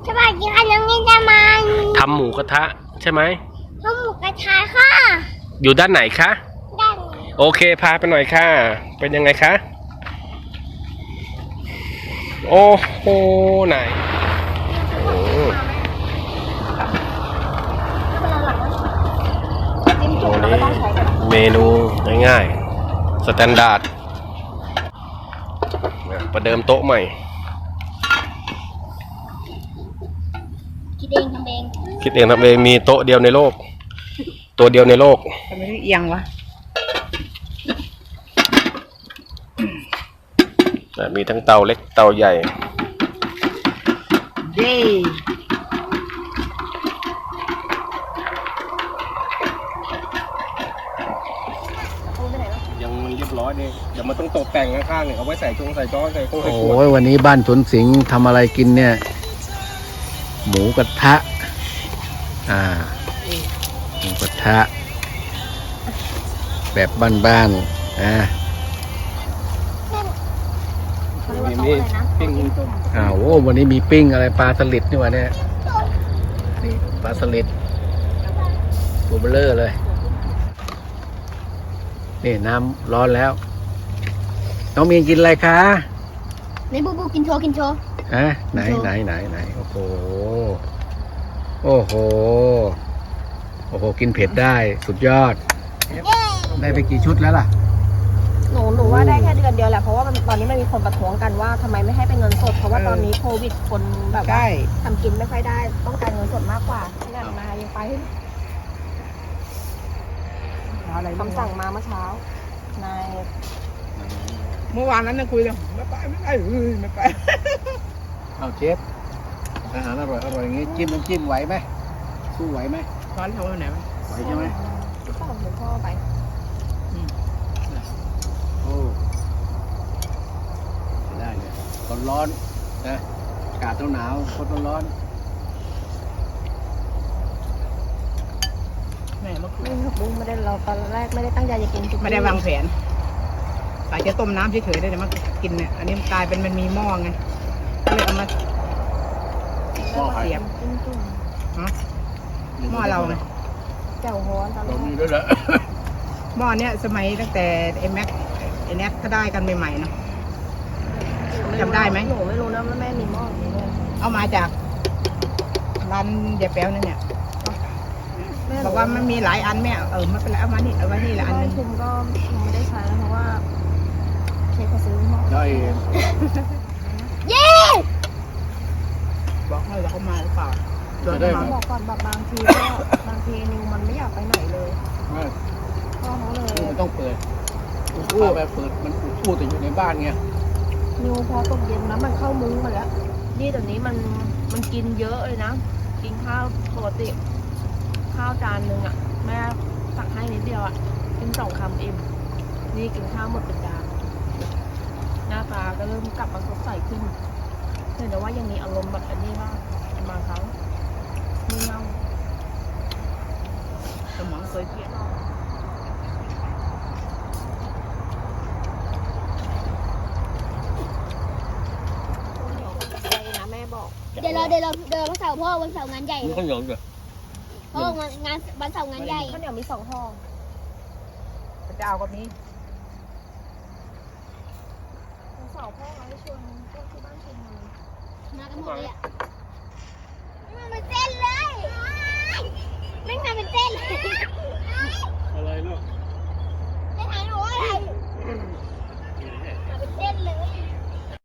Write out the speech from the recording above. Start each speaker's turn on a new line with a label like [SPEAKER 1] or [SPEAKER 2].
[SPEAKER 1] สวัสดีค่ะน้องนินจามัน
[SPEAKER 2] ทำหมูกระทะใช่ไหม
[SPEAKER 1] ทำหมูกระทะค่ะ
[SPEAKER 2] อยู่ด้านไหนคะ
[SPEAKER 1] ด้าน
[SPEAKER 2] โอเคพาไปหน่อยค่ะเป็นยังไงคะโอ้โหไหนโอ้เมนูง่ายๆสแตนดาร์ดประเดิมโต๊ะใหม่
[SPEAKER 1] คิดเองทำเอง
[SPEAKER 2] มีโต๊ะเดียวในโลกตัวเดียวในโลก
[SPEAKER 3] ทำไมเอียงวะ
[SPEAKER 2] มีทั้งเตาเล็กเตาใหญ่
[SPEAKER 3] เย้
[SPEAKER 2] ยังเรียบร้อยเลยเดี๋ยวมันต้องตกแต่งข้างๆเนี่ยเอาไว้ใส่ใส่จ้อใส่โค้งใส่ขวด
[SPEAKER 4] โอ้ยวันนี้บ้านสวนสิงห์ทำอะไรกินเนี่ยหมูกระทะหมูกระทะแบบบ้านๆ
[SPEAKER 2] มีปิ้ง
[SPEAKER 4] โอ้วันนี้มีปิ้งอะไรปลาสลิดนี่วะเนี่ยนี่ปลาสลิดตัวเบลอเลยนี่น้ำร้อนแล้วน้องมีนกินอะไรคะ
[SPEAKER 1] นี่บูกินโชว์
[SPEAKER 4] ไหนโอ้โหกินเผ็ดได้สุดยอดได้ไปกี่ชุดแล้วล่ะ
[SPEAKER 3] หนูว่าได้แค่เดือนเดียวแหละเพราะว่าตอนนี้มันมีคนประท้วงกันว่าทำไมไม่ให้เป็นเงินสดเพราะว่าตอนนี้โควิดคนแบบว่าทำกินไม่ค่อยได้ต้องการเงินสดมากกว่าที่นั่นมายังไปคำสั่งมาเมื่อเช้านายเมื่อวานนั้นคุยเลยไม่ไป
[SPEAKER 4] เอาเชฟอาหารอร่อยอย่างงี้จิ้มน้ำจิ้มไหวไหมสู้ไหวไหม
[SPEAKER 3] ร้อนเท่าไหร่ไหม
[SPEAKER 4] ไหวใช่ไหม
[SPEAKER 3] ก็หลวงพ่อไป
[SPEAKER 4] โอ้ได้เลยร้อนนะอากาศหนาวคนร้อน
[SPEAKER 3] แม่เมื่อคืนบุ้งไม่ได้เราตอนแรกไม่ได้ตั้งใจจะกินไม่ได้วางแผนแต่จะต้มน้ำเฉยๆได้แต่มากินเนี่ยอันนี้มันกลายเป็นมันมีหม้อไงก็เลยเอามา
[SPEAKER 4] หม้อเสียบ
[SPEAKER 3] หม้อเราไงเจ้าฮ้อนตอน
[SPEAKER 4] เรามีด้วยเหรอ
[SPEAKER 3] หม้อเนี้ยสมัยตั้งแต่ไอ้แม็กไอ้แน็กเขาได้กันใหม่ๆเนาะจำได้ไหมหนูไม่รู้นะว่าแม่มีหม้อนี้ด้วยเอามาจากร้านยายแป๊วนั่นเนี่ยบอกว่ามันมีหลายอันแม่ไม่เป็นไรเอามานี่เอาไว้นี่ละอันนึงคุณก็ไม่ได้ใช้แล้วเพราะว่าเชฟเขาซื้อหม้อ
[SPEAKER 4] ได้
[SPEAKER 1] เย้
[SPEAKER 3] บอกให้เราเข้ามาหรือเปล่า
[SPEAKER 4] ได้
[SPEAKER 3] บอกก่อนแบบบางทีนิวมันไม่อยากไปไหนเลยพ่อเขาเลย
[SPEAKER 4] มันต้องเปิดแบบเปิดมันพูดแต่อยู่ในบ้านไง
[SPEAKER 3] นิวพอตกเย็นนะมันเข้ามุ้งมาแล้วนี่ตอนนี้มันกินเยอะเลยนะกินข้าวปกติข้าวจานนึงอ่ะแม่ตักให้นิดเดียวอ่ะกิน2 คำอิ่มนี่กินข้าวหมดเป็นจานหน้าตาก็เริ่มกลับมาสดใสขึ้นแต่ว่ายังมีอารมณ์แบบอันนี้บ้างบางครั้งไม่เงาสมองเคยเปลี่ยนแม่บอก
[SPEAKER 1] เดี๋ยวเราวันเสาร์พ่อวันเสาร์งานใหญ่
[SPEAKER 4] ข้าวเหนียวจ้ะ
[SPEAKER 1] พ่องานวันเสาร์งานใหญ่
[SPEAKER 3] ข้าวเหนียวมี2 ห่อจะเอากับนี้วันเสาร์พ่อเราให้ชวนพวกที่บ้านชวน
[SPEAKER 1] มากันหมดเลยอ่ะมันเป็นเส้นเลยไม่ทำเป็นเส้นเลย